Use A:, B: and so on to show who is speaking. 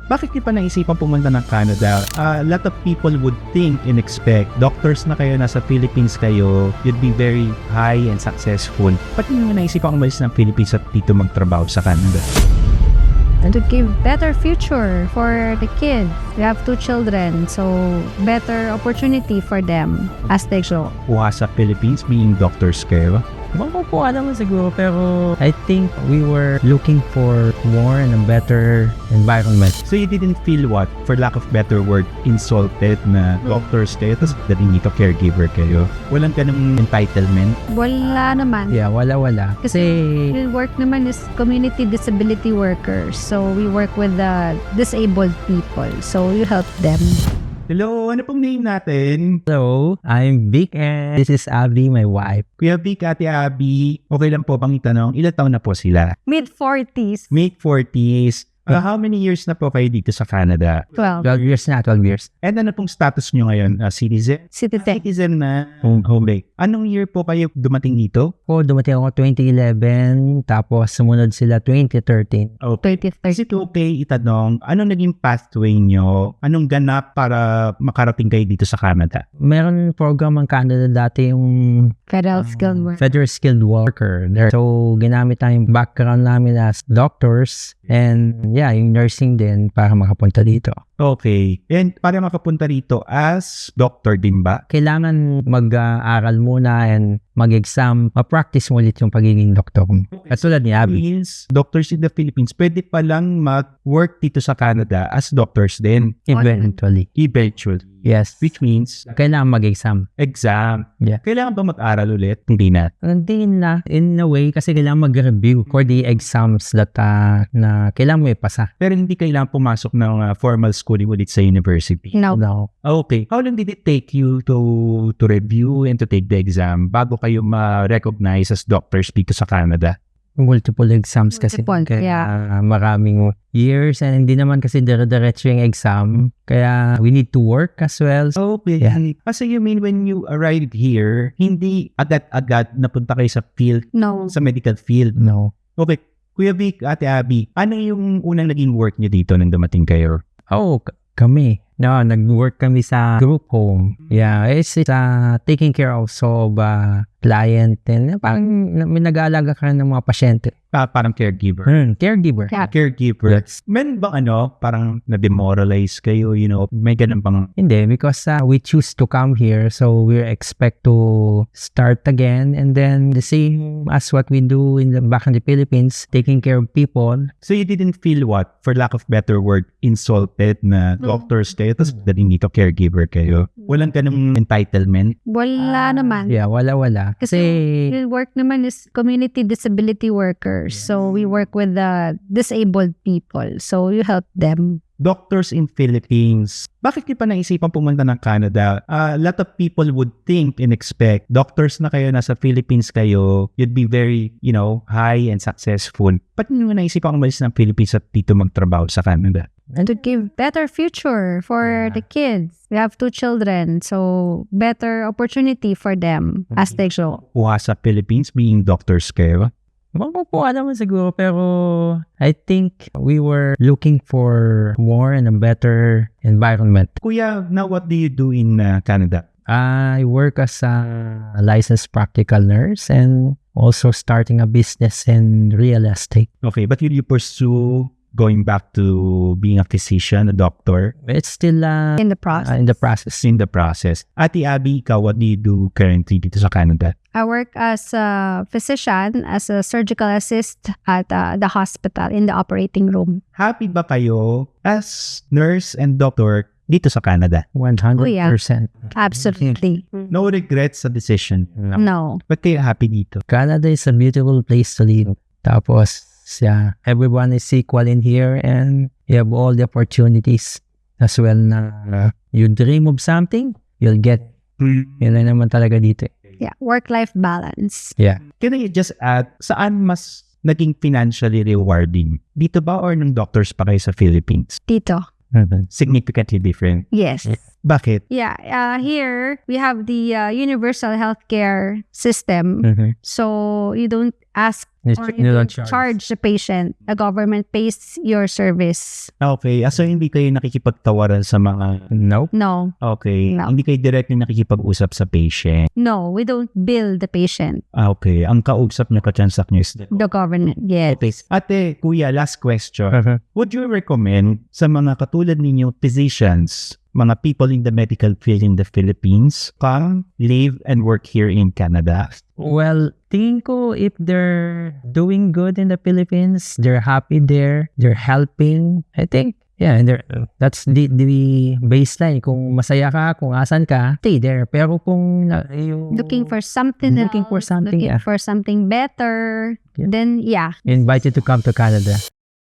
A: Bakit niyo pa naisipan pumunta ng Canada? A lot of people would think and expect, doctors na kayo, nasa Philippines kayo, you'd be very high and successful. Ba't niyo naisipan umalis ng Philippines at dito magtrabaho sa Canada?
B: And to give better future for the kids. We have 2 children, so better opportunity for them as they grow.
A: Kuha sa Philippines being doctors kayo?
C: Makukuha naman siguro, pero I think we were looking for more and a better environment.
A: So you didn't feel what, for lack of better word, insulted na doctors kayo, tapos dating dito caregiver kayo? Walang ganung entitlement?
B: Wala naman.
C: Yeah, wala. Kasi,
B: We work naman is community disability workers. So we work with the disabled people. So you help them.
A: Hello, ano pong name natin?
C: hello, I'm Vic and this is Abby, my wife.
A: Kuya Vic, Ate Abby, okay lang po bang itanong, ilang taon na po sila?
B: Mid-40s.
A: Mid-40s. How many years na po kayo dito sa Canada?
B: 12.
C: 12 years na, 12 years.
A: And ano pong status nyo ngayon? Citizen?
B: Citizen.
A: Citizen na. Okay. Anong year po kayo dumating dito?
C: Dumating ako 2011, tapos sumunod sila 2013.
A: Okay.
B: 2030.
A: Is it okay itanong, anong naging pathway nyo? Anong ganap para makarating kayo dito sa Canada?
C: Meron program ang Canada dati yung
B: Federal skilled work.
C: Federal Skilled Worker there. So, ginamit tayong background namin as doctors and yung nursing din para makapunta dito.
A: Okay. And para makapunta rito as doctor din ba?
C: Kailangan mag-aaral muna and mag-exam, ma-practice mo ulit yung pagiging doktor. Katulad ni Abby.
A: Means doctors in the Philippines, pwede palang mag-work dito sa Canada as doctors din.
C: Eventually.
A: Eventually.
C: Yes.
A: Which means,
C: Kailangan mag-exam.
A: exam.
C: Yeah.
A: Kailangan ba mag-aral ulit? Hindi na.
C: Hindi na, in a way, kasi kailangan mag-review for the exams that na kailangan mo ipasa.
A: Pero hindi kailangan pumasok ng formal schooling ulit sa university.
B: No.
C: No.
A: Okay. How long did it take you to review and to take the exam bago kayo ma-recognize as doctors dito sa Canada?
C: Multiple exams kasi.
B: Multiple,
C: Kaya maraming years and hindi naman kasi dire-diretso yung exam. Kaya we need to work as well.
A: Okay.
C: Yeah.
A: Kasi you mean when you arrived here, hindi agad-agad napunta kayo sa field,
B: No.
A: sa medical field?
C: No.
A: Okay. Kuya Vic, Ate Abby, ano yung unang naging work niyo dito nang dumating kayo?
C: Kami. No, nag-work kami sa group home. Yeah, it's taking care also of client and parang may nag-aalaga ka ng mga pasyente.
A: Parang caregiver.
C: Caregiver.
B: Yeah.
A: Caregiver.
C: Yes.
A: Men bang parang na-demoralize kayo, may ganun bang...
C: Hindi, because we choose to come here, so we expect to start again and then the same as what we do back in the Philippines, taking care of people.
A: So you didn't feel what, for lack of better word, insulted na doctors kayo, tapos dating dito caregiver kayo? Walang ganung entitlement?
B: Wala naman.
C: Yeah, wala. Kasi
B: We work naman is community disability workers. So we work with the disabled people. So you help them.
A: Doctors in Philippines, bakit niyo pa naisipan pumunta ng Canada? A lot of people would think and expect, doctors na kayo, nasa Philippines kayo, you'd be very, high and successful. Ba't niyo naisipan umalis ng Philippines at dito magtrabaho sa Canada?
B: And to give better future for the kids. We have 2 children. So better opportunity for them as they grow.
A: Kuha sa Philippines being doctors kayo?
C: makukuha naman siguro, pero I think we were looking for more and a better environment.
A: Kuya, now what do you do in Canada?
C: I work as a licensed practical nurse and also starting a business in real estate.
A: Okay, but will you pursue going back to being a physician, a doctor?
C: It's still
B: In the process.
C: in the process.
A: In the process. Ate Abby, ikaw, what do you do currently dito sa Canada?
B: I work as a physician, as a surgical assist at the hospital in the operating room.
A: Happy ba kayo as nurse and doctor dito sa Canada?
C: 100%.
B: Absolutely.
A: No regrets sa decision.
B: No.
A: Ba't kayo happy dito?
C: Canada is a beautiful place to live. Tapos, everyone is equal in here and you have all the opportunities as well na you dream of something, you'll get. Yun na naman talaga dito.
B: Yeah. Work-life balance.
C: Yeah.
A: Can I just add, saan mas naging financially rewarding? Dito ba or nung doctors pa kayo sa Philippines?
B: Dito.
A: Significantly different.
B: Yes.
A: Bakit?
B: Yeah, here we have the universal healthcare system. So you don't ask or you don't charge the patient. The government pays your service.
A: Okay. So hindi kayo nakikipagtawaran sa mga...
C: Nope.
B: No,
A: Okay.
B: No.
A: Hindi kayo directly nakikipag-usap sa patient.
B: no, we don't bill the patient.
A: Okay. Ang kausap niyo, katsansak niyo is
B: The government, yes.
A: Okay. Ate, kuya, last question. Would you recommend sa mga katulad ninyo physicians, mga people in the medical field in the Philippines, come, live, and work here in Canada?
C: Well, tingin ko if they're doing good in the Philippines, they're happy there, they're helping, I think, yeah, and that's the baseline. Kung masaya ka, kung asan ka, stay there. Pero kung yung
B: Looking for something
C: Looking for
B: else,
C: something,
B: looking
C: yeah.
B: for something better,
C: Yeah.
B: then yeah.
C: invite you to come to Canada.